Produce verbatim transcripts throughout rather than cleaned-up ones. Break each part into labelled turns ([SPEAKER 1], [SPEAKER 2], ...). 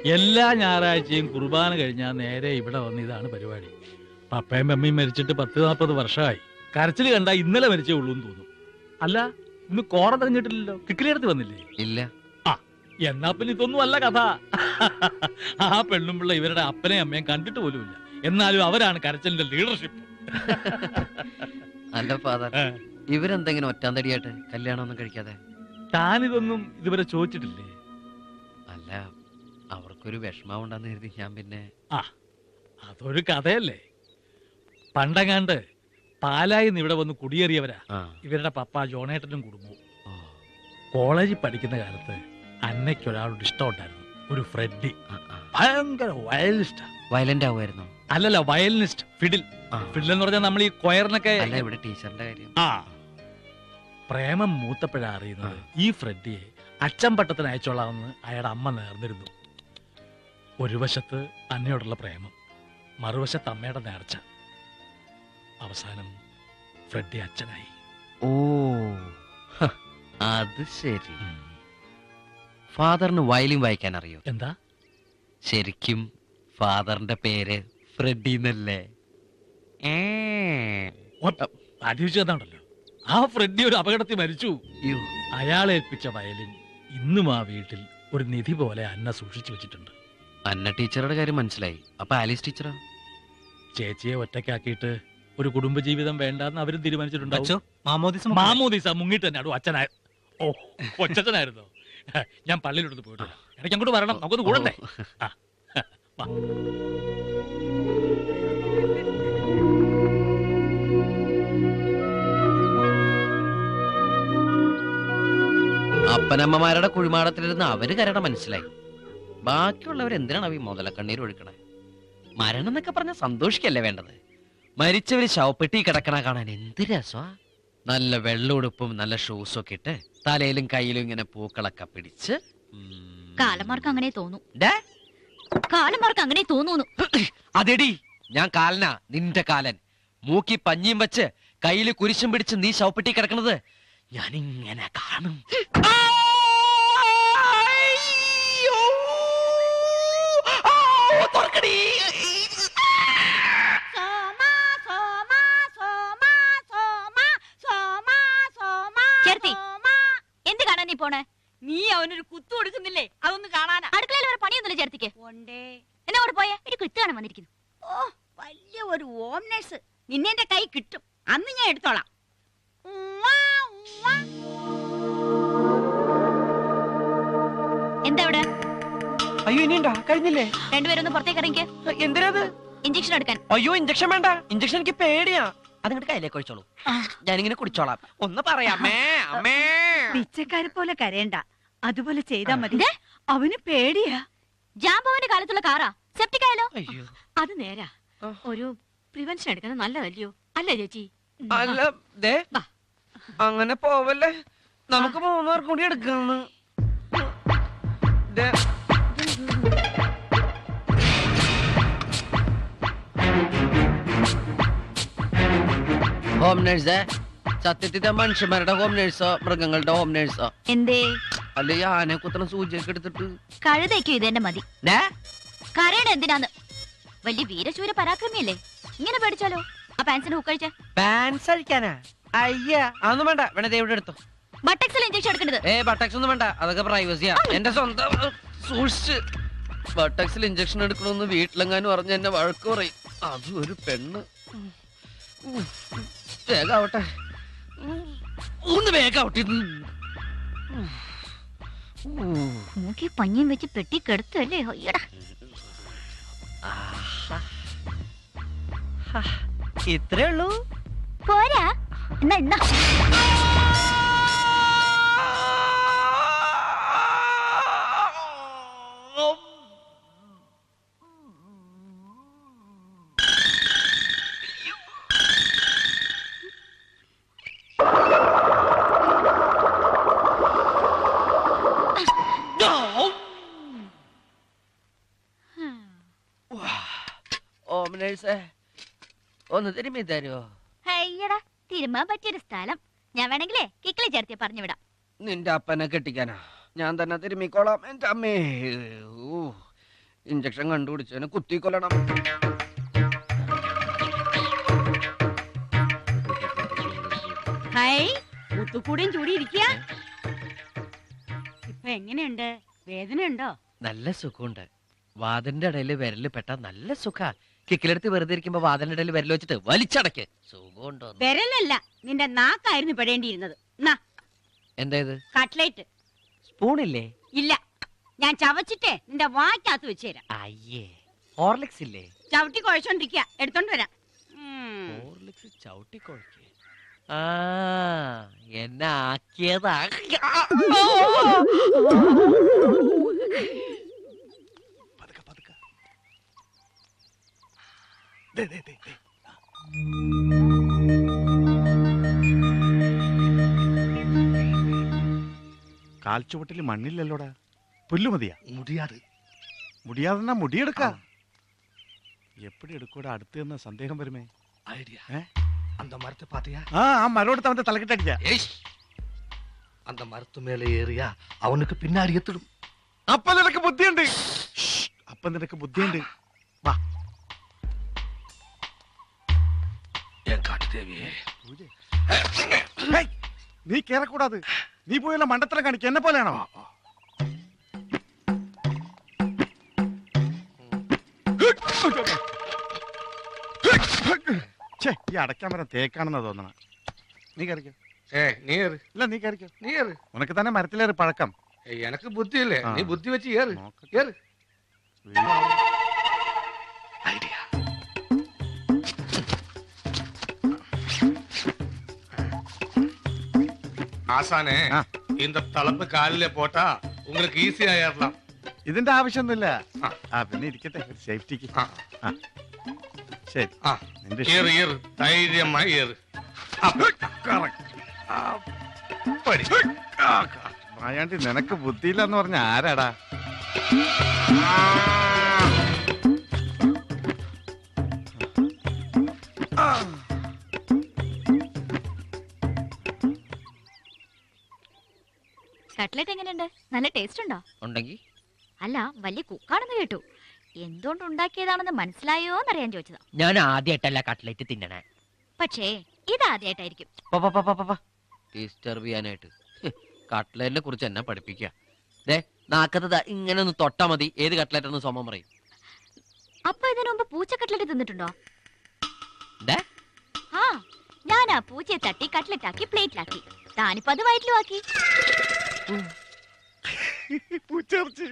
[SPEAKER 1] എല്ലാ ഞായറാഴ്ചയും കുർബാന കഴിഞ്ഞാൽ നേരെ ഇവിടെ വന്ന് ഇതാണ് പരിപാടി. പപ്പയും മമ്മിയും മരിച്ചിട്ട് പത്ത് നാൽപ്പത് വർഷമായി. കരച്ചിൽ കണ്ട ഇന്നലെ മരിച്ചേ ഉള്ളൂ എന്ന് തോന്നും. അല്ല, ഇന്ന് കോറ തെരഞ്ഞിട്ടില്ലല്ലോ, കിക്കിലെടുത്ത് വന്നില്ലേ?
[SPEAKER 2] ഇല്ല.
[SPEAKER 1] ആ, എന്നാ പിന്നെ ഇതൊന്നും അല്ല കഥ. ആ പെണ്ണും പിള്ള ഇവരുടെ അപ്പനെയും അമ്മയും കണ്ടിട്ട് പോലുമില്ല. എന്നാലും അവരാണ് കരച്ചിലിന്റെ ലീഡർഷിപ്പ്.
[SPEAKER 2] അല്ല ഫാദർ, ഇവരെന്തെങ്കിലും ഒറ്റാന്തടിയായിട്ട് കല്യാണം ഒന്നും കഴിക്കാതെ?
[SPEAKER 1] താനിതൊന്നും ഇതുവരെ ചോദിച്ചിട്ടില്ലേ?
[SPEAKER 2] അല്ല, അവർക്കൊരു വിഷമാവുണ്ടെന്ന് കരുതി ഞാൻ പിന്നെ.
[SPEAKER 1] ആ, അതൊരു കഥയല്ലേ. പണ്ടങ്ങാണ്ട് പാലായിന്ന് ഇവിടെ വന്ന് കുടിയേറിയവരാ ഇവരുടെ പപ്പ ജോണേട്ടനും കുടുംബവും. കോളേജിൽ പഠിക്കുന്ന കാലത്ത് അന്നയ്ക്കൊരാളോട് ഇഷ്ടമുണ്ടായിരുന്നു, ഒരു ഫ്രെഡി. ഭയങ്കര വയലിനിസ്റ്റാ.
[SPEAKER 2] വയലന്റ് ആവുമായിരുന്നു?
[SPEAKER 1] അല്ലല്ല, വയലിനിസ്റ്റ്. ഫിഡിൽ. ഫിഡിൽ എന്ന് പറഞ്ഞാൽ നമ്മൾ ഈ കൊയറിനൊക്കെ.
[SPEAKER 2] ഇവിടെ ടീച്ചറിന്റെ കാര്യം.
[SPEAKER 1] ആ, പ്രേമം മൂത്തപ്പോഴാ അറിയുന്നത് ഈ ഫ്രെഡിയെ അച്ഛൻ പട്ടത്തിന് അയച്ചോളാമെന്ന് അയാളുടെ അമ്മ നേർന്നിരുന്നു. ഒരു വശത്ത് അന്നയോടുള്ള പ്രേമം, മറുവശത്ത് അമ്മയുടെ നേർച്ച. അവസാനം ഫ്രെഡി അച്ഛനായി.
[SPEAKER 2] ഓ, അത് ശരി. ഫാദറിന് വയലിൻ വായിക്കാൻ അറിയോ?
[SPEAKER 1] എന്താ?
[SPEAKER 2] ശരിക്കും ഫാദറിന്റെ പേര് ഫ്രെഡി എന്നല്ലേ?
[SPEAKER 1] അടിച്ചതാണല്ലോ. ആ ഫ്രെഡി ഒരു അപകടത്തിൽ മരിച്ചു. അയാളെ ഏൽപ്പിച്ച വയലിൻ ഇന്നും ആ വീട്ടിൽ ഒരു നിധി പോലെ അന്ന സൂക്ഷിച്ചു വെച്ചിട്ടുണ്ട്.
[SPEAKER 2] അന്ന ടീച്ചറുടെ കാര്യം മനസ്സിലായി. അപ്പൊ ആലീസ് ടീച്ചറോ?
[SPEAKER 1] ചേച്ചിയെ ഒറ്റയ്ക്കാക്കിയിട്ട് ഒരു കുടുംബജീവിതം വേണ്ടെന്ന് അവരും തീരുമാനിച്ചിട്ടുണ്ടാവും.
[SPEAKER 3] മാമോദിസ
[SPEAKER 1] മുങ്ങിട്ട് തന്നെ അടു അച്ഛനായ. ഓ, കൊച്ചനായിരുന്നോ? ഞാൻ പള്ളിയിലോട്ട് പോയിട്ട് എനിക്ക് അങ്ങോട്ട് വരണം, നമുക്കൊന്ന് കൂടണ്ടേ?
[SPEAKER 2] അപ്പനമ്മമാരുടെ കുഴിമാടത്തിലിരുന്ന് അവര് കരട മനസ്സിലായി. ബാക്കിയുള്ളവർ എന്തിനാണ് ഈ മുതലക്കണ്ണീർ ഒഴുക്കണേ? മരണം എന്നൊക്കെ പറഞ്ഞ സന്തോഷിക്കല്ലേ വേണ്ടത്? മരിച്ചവര് ശവപ്പെട്ടി കിടക്കണ കാണാൻ എന്ത് രസമാ. നല്ല വെള്ളമുടുപ്പും നല്ല ഷൂസും ഒക്കെ ഇട്ട് തലയിലും കയ്യിലും ഇങ്ങനെ പൂക്കളൊക്കെ പിടിച്ച്.
[SPEAKER 4] കാലന്മാർക്ക് അങ്ങനെ തോന്നും. കാലന്മാർക്ക് അങ്ങനെ തോന്നുന്നു.
[SPEAKER 2] അതെടി, ഞാൻ കാലനാ, നിന്റെ കാലൻ. മൂക്കി പഞ്ഞിയും വെച്ച് കയ്യില് കുരിശും പിടിച്ച് നീ ശവപ്പെട്ടി കിടക്കണത് ഞാനിങ്ങനെ കാണും.
[SPEAKER 4] എന്ത് കാണാൻ നീ പോണേ?
[SPEAKER 5] നീ അവനൊരു കുത്തു കൊടുക്കുന്നില്ലേ? അതൊന്ന് കാണാനാ.
[SPEAKER 4] അടുക്കളയിൽ വരെ പണിയൊന്നുമില്ല ചേർത്തിക്ക്. എന്നെ അവിടെ പോയേ, ഒരു കുത്ത് കാണാൻ വന്നിരിക്കുന്നു.
[SPEAKER 5] ഓ, വലിയ ഒരു ഹോം നഴ്സ്. നിന്നെ എന്റെ കൈ കിട്ടും, അന്ന് ഞാൻ എടുത്തോളാം.
[SPEAKER 4] എന്താ അവിടെ?
[SPEAKER 6] അയ്യോ, ഇനിയുണ്ടാ? കഴിഞ്ഞില്ലേ?
[SPEAKER 4] രണ്ടുപേരും ഒന്ന് പുറത്തേക്ക് ഇറങ്ങിക്ക്.
[SPEAKER 6] എന്തിനാത്?
[SPEAKER 4] ഇഞ്ചക്ഷൻ എടുക്കാൻ.
[SPEAKER 6] അയ്യോ, ഇഞ്ചക്ഷൻ വേണ്ട. ഇഞ്ചക്ഷൻ എനിക്ക് പേടിയാ. അതിങ്ങോട്ട് കയ്യിലേക്ക് ഒഴിച്ചോളൂ, ഞാനിങ്ങനെ കുടിച്ചോളാം. ഒന്ന് പറയാമേ അമ്മേ.
[SPEAKER 5] പിച്ചക്കാരെ പോലെ കരയണ്ട, അതുപോലെ ചെയ്താ മതി. അവന് പേടിയാ.
[SPEAKER 4] ജാമ്പവന്റെ കാലത്തുള്ള കാറാ, സെപ്റ്റിക് ആയാലോ?
[SPEAKER 5] അത് നേരാ. ഒരു പ്രിവെൻഷൻ എടുക്കുന്നത് നല്ലതല്ലയോ? അല്ലേ ചേച്ചി?
[SPEAKER 6] അല്ല, ദേ അങ്ങനെ പോവല്ലേ, നമുക്ക് മൂന്നാർ കൂടി എടുക്കാന്ന്.
[SPEAKER 2] ഹോം നേഴ്സേ, സത്യത്തിന്റെ മനുഷ്യന്മാരുടെ ഹോം നേഴ്സോ മൃഗങ്ങളുടെ ഹോം നേഴ്സോ?
[SPEAKER 4] എന്തേ?
[SPEAKER 2] അല്ലെ ആനെ കുത്തണം സൂചിയൊക്കെ എടുത്തിട്ട്.
[SPEAKER 4] കഴുതയ്ക്കും ഇതെന്നെ മതി. കരയുടെ എന്തിനാന്ന്? വലിയ വീരശൂര പരാക്രമിയല്ലേ, ഇങ്ങനെ പേടിച്ചാലോ? ആ പാൻസിന് ഹുക്ക് കഴിച്ച.
[SPEAKER 6] പാൻസ് അഴിക്കാനാ? അയ്യ, അതൊന്നും വേണ്ട. വേണേ ദേവിടെ എടുത്തോ.
[SPEAKER 4] ബട്ടക്സിൽ ഇഞ്ചക്ഷൻ എടുക്കരുത്.
[SPEAKER 2] ഏ ബട്ടക്സ് ഒന്നും വേണ്ട, അതൊക്കെ പ്രൈവസിയാ. എന്റെ സ്വന്തം സൂക്ഷിച്ച്. ബട്ടക്സിൽ ഇഞ്ചക്ഷൻ എടുക്കണമെന്ന് വീട്ടിലെങ്ങാനും പറഞ്ഞ എന്നെ വഴക്ക് പറയും. അതും ഒരു പെണ്ണ്. വേഗാവട്ടെ, ഒന്ന് വേഗാവട്ടെ.
[SPEAKER 4] മൂക്കി പഞ്ഞിയും വെച്ച് പെട്ടി കെടുത്തല്ലേ?
[SPEAKER 6] ഇത്രേ ഉള്ളൂ?
[SPEAKER 4] പോരാ എന്നാ എന്നാ.
[SPEAKER 2] ഒന്ന് തിരുമ്മി തരുമോ?
[SPEAKER 4] അയ്യടാ, തിരുമാൻ പറ്റിയൊരു സ്ഥലം. ഞാൻ വേണമെങ്കിലേ കിക്കിളി ചേർത്തി പറഞ്ഞു വിടാം.
[SPEAKER 2] നിന്റെ അപ്പനെ കെട്ടിക്കാനാ? ഞാൻ തന്നെ തിരുമ്മിക്കോളാം. എന്റെ അമ്മേ, ഇഞ്ചക്ഷൻ കണ്ടുപിടിച്ചതിനെ കുത്തിക്കൊല്ലണം.
[SPEAKER 5] ഹായ് മുത്തുക്കൂടെയും ചൂടി ഇരിക്കുക. ഇപ്പൊ എങ്ങനെയുണ്ട്? വേദന ഉണ്ടോ?
[SPEAKER 2] നല്ല സുഖമുണ്ട്. വാതിലിന്റെ ഇടയിൽ വിരല് പെട്ട നല്ല സുഖ. കിക്കിലെടുത്ത് വെറുതെ ഇരിക്കുമ്പോ വാതിലിന്റെ ഇടയിൽ വിരൽ വെച്ചിട്ട് വലിച്ചടക്ക്. സുഖമുണ്ടോ?
[SPEAKER 5] വിരലല്ല, നിന്റെ നാക്കായിരുന്നു പെടേണ്ടിയിരുന്നത്. നാ
[SPEAKER 2] എന്തായത്?
[SPEAKER 5] കട്ട്ലേറ്റ്.
[SPEAKER 2] സ്പൂണില്ലേ?
[SPEAKER 5] ഇല്ല, ഞാൻ ചവച്ചിട്ടേ നിന്റെ വാക്കകത്ത് വെച്ച് തരാം.
[SPEAKER 2] അയ്യേ, ഹോർലിക്സ് ഇല്ലേ?
[SPEAKER 5] ചവിട്ടി കുഴച്ചോണ്ടിരിക്കുക, എടുത്തോണ്ട് വരാം. ഉം.
[SPEAKER 2] ഹോർലിക്സ് ചവിട്ടി കുഴക്കേ? ആ, എന്നെ ആക്കിയതാ.
[SPEAKER 3] പതുക്കെ പതുക്കെ. ദേ, ദേ, ദേ, ദേ. കാൽച്ചുവട്ടിൽ മണ്ണില്ലല്ലോടാ. പുല്ലു മതിയാ?
[SPEAKER 7] മുടിയാത്
[SPEAKER 3] മുടിയാതെന്നാ മുടിയെടുക്ക. എപ്പടി എടുക്കൂടാ? അടുത്ത് എന്ന സന്ദേഹം വരുമേ.
[SPEAKER 7] ஐடியா
[SPEAKER 3] ഏ?
[SPEAKER 7] அந்த மரத்தை பாத்தியா?
[SPEAKER 3] ആ ആ മരോടത്ത് അവന്റെ തലക്കിട്ടടിക്ക.
[SPEAKER 7] ஏய் அந்த மரத்து மேல ஏறியா அவனுக்கு பின்னாடி எத்திடும்.
[SPEAKER 3] അപ്പൊ നിനക്ക് ബുദ്ധിയുണ്ട്. അപ്പൊ നിനക്ക് ബുദ്ധിയുണ്ട്. വാ.
[SPEAKER 7] ஏன் காட்டு தேவியே?
[SPEAKER 3] ഹേയ്, നീ കേറക്കൂടാത്. നീ പോയല്ല മണ്ടത്തരം കാണിക്ക. എന്നെ പോലെയാണോ? ഛേ, ഈ അടയ്ക്കാൻ വരാൻ തേക്കാണെന്നാ തോന്നണ. നീ കയറിക്കോ.
[SPEAKER 8] ஏய் நீ ஏறு
[SPEAKER 3] ഇല്ല, നീ കയറിക്കോ.
[SPEAKER 8] நீ ஏறு
[SPEAKER 3] ഉനക്ക് തന്നെ മരത്തിലേറി പഴക്കം.
[SPEAKER 8] ஏய், எனக்கு புத்தி இல்ல
[SPEAKER 3] ஆ.
[SPEAKER 8] நீ புத்தி வச்சு ஏறு
[SPEAKER 3] നോക്കട്ടെ.
[SPEAKER 8] ஏறு
[SPEAKER 7] ஐடியா
[SPEAKER 8] ஆசானே
[SPEAKER 3] ஆ.
[SPEAKER 8] இந்த தலைப்பு காலில போட்டா உங்களுக்கு ஈஸியா ஏறலாம்.
[SPEAKER 3] ഇതിന്റെ ആവശ്യമൊന്നുമില്ല.
[SPEAKER 8] ആ.
[SPEAKER 3] ആ, പിന്നെ ഇരിക്കട്ടെ, ഒരു സേഫ്റ്റിക്ക്.
[SPEAKER 8] ആ.
[SPEAKER 3] ആ. ശരി.
[SPEAKER 8] ஆ,
[SPEAKER 3] നിന്റെ
[SPEAKER 8] ஏறு ஏறு தைரியமா ஏறு அப்படி
[SPEAKER 3] മായാണ്ടി, നിനക്ക് ബുദ്ധിയില്ലെന്ന് പറഞ്ഞ ആരാടാ?
[SPEAKER 4] കട്ട്ലറ്റ് എങ്ങനെയുണ്ട്? നല്ല ടേസ്റ്റ് ഉണ്ടോ?
[SPEAKER 2] ഉണ്ടെങ്കി
[SPEAKER 4] അല്ല, വലിയ കുക്കാണെന്ന് കേട്ടു. എന്തുകൊണ്ട് ഉണ്ടാക്കിയതാണെന്ന് മനസ്സിലായോ എന്നറിയാൻ ചോദിച്ചതാ.
[SPEAKER 2] ഞാൻ ആദ്യമായിട്ടല്ല കട്ട്ലേറ്റ് തിന്നണേ.
[SPEAKER 4] പക്ഷേ ഇതാദ്യമായിട്ടായിരിക്കും.
[SPEAKER 2] ഡിസ്റ്റർബ് ചെയ്യാനായിട്ട് കട്ട്ലേറ്റിനെ കുറിച്ച് എന്നെ പഠിപ്പിക്കുക. ദേ, നാക്കത്ത് ഇങ്ങനെ ഒന്ന് തൊട്ടാ മതി, ഏത് കട്ട്ലേറ്റ് എന്ന് സോമം പറയും.
[SPEAKER 4] അപ്പൊ ഇതിനു മുമ്പ് പൂച്ച കട്ട്ലറ്റ് തിന്നിട്ടുണ്ടോ?
[SPEAKER 2] ദേ,
[SPEAKER 4] ആ, ഞാൻ ആ പൂച്ചയെ തട്ടി കട്ട്ലറ്റ് ആക്കി പ്ലേറ്റിലാക്കി. താനിപ്പോ അത് വയറ്റിലും ആക്കി.
[SPEAKER 3] പൂച്ചേർച്ചി.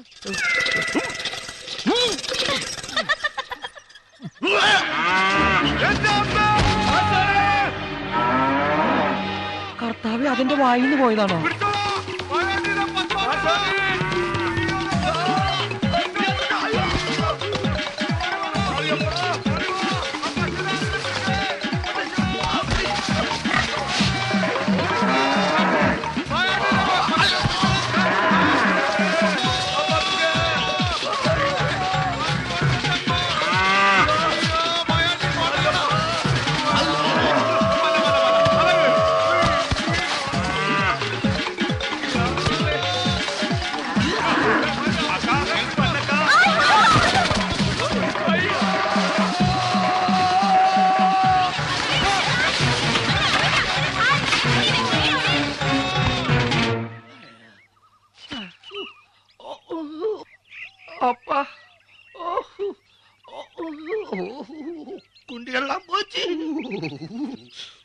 [SPEAKER 2] കർത്താവ് അതിന്റെ വായിന്ന് പോയതാണോ?
[SPEAKER 7] அப்பா குண்டியெல்லாம் போச்சு.